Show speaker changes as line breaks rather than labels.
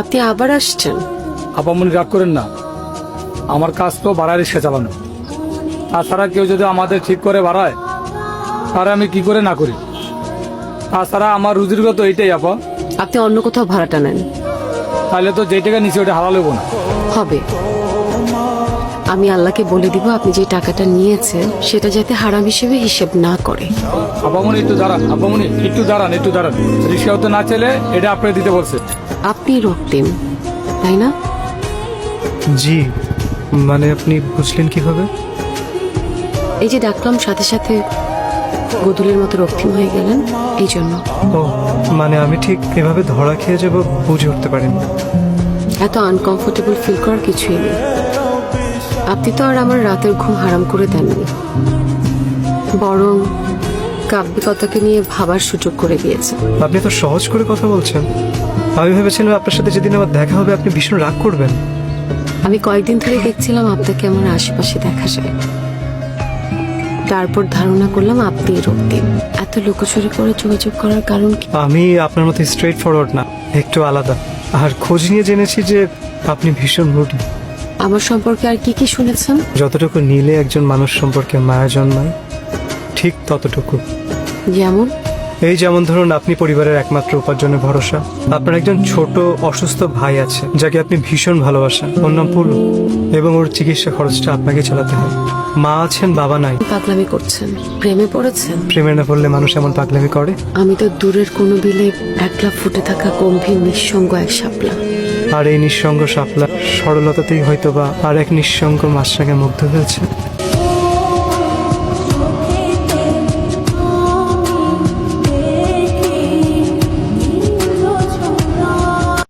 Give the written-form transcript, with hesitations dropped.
আপনি আবার আসছেন?
আপামনি রাগ করেন না, আমার কাজ তো ভাড়া রিক্সা চালানো। তাছাড়া কেউ যদি আমাদের ঠিক করে বাড়ায় তাহলে আমি কি করে না করি। তাছাড়া আমার রুজির তো এইটাই আপা।
আপনি অন্য কোথাও ভাড়াটা নেন।
তাহলে তো যে টাকা নিচে ওটা হারাল হবো না।
হবে। আমি আল্লাহকে বলে দিব আপনি যে টাকাটা নিয়েছেন সেটা যাতে হারাম হিসেবে হিসেব না করে।
আপামনি একটু দাঁড়ান, আপামনি একটু দাঁড়ান, একটু দাঁড়ান। রিক্সাও তো না চলে, এটা আপনাকে দিতে বলছে।
আপনি রক্তিম, তাই না?
জি, মানে আপনি বুঝলেন কিভাবে?
এই যে ডাকলাম সাথে সাথে গদুলের মতো রক্তিম হয়ে গেলেন, এই জন্য।
ও মানে আমি ঠিক এভাবে ধরা খেয়ে যাব বুঝে উঠতে পারিনি।
এত আনকমফোর্টেবল ফিল করার কিছুই নেই। আপনি তো আর আমার রাতের ঘুম হারাম করে দেননি, বরং কাব্যিকতাকে নিয়ে ভাবার সুযোগ করে দিয়েছেন।
আপনি তো সহজ করে কথা বলছেন। আমি ভেবেছিলাম আপনার সাথে যেদিন আমার দেখা হবে আপনি ভীষণ রাগ করবেন।
আমি কয়েকদিন ধরে দেখছিলাম আপনাকে আমার আশেপাশে দেখা যায়, তারপর ধারণা করলাম আপনি রক্তিম। এত লুকোচুরি করে যোগাযোগ করার কারণ কি?
আমি আপনার মতো স্ট্রেট ফরওয়ার্ড না, একটু আলাদা। আর খোঁজ নিয়ে জেনেছি যে আপনি ভীষণ রুটি।
আমার সম্পর্কে আর কি কি শুনেছেন?
যতটুকু নিলে একজন মানুষ সম্পর্কে মায়া জন্মায়, ঠিক ততটুকু।
যেমন?
এই যেমন ধরুন, আপনি পরিবারের একমাত্র উপার্জনের ভরসা। আপনার একজন ছোট অসুস্থ ভাই আছে যাকে আপনি ভীষণ ভালোবাসেন, ওর নাম পুলু, এবং ওর চিকিৎসা খরচটা আপনাকে চালাতে হয়। মা আছেন, বাবা নাই।
পাগলামি করছেন? প্রেমে পড়েছেন?
প্রেমে না পড়লে মানুষ এমন পাগলামি করে?
আমি তো দূরের কোনো বিলে একলা ফুটে থাকা গম্ভীর নিঃসঙ্গ এক শাপলা।
আর এই নিঃসঙ্গ শাপলা সরলতাতেই হয়তো বা আর এক নিঃসঙ্গ মাছরাঙে মুগ্ধ হয়েছে।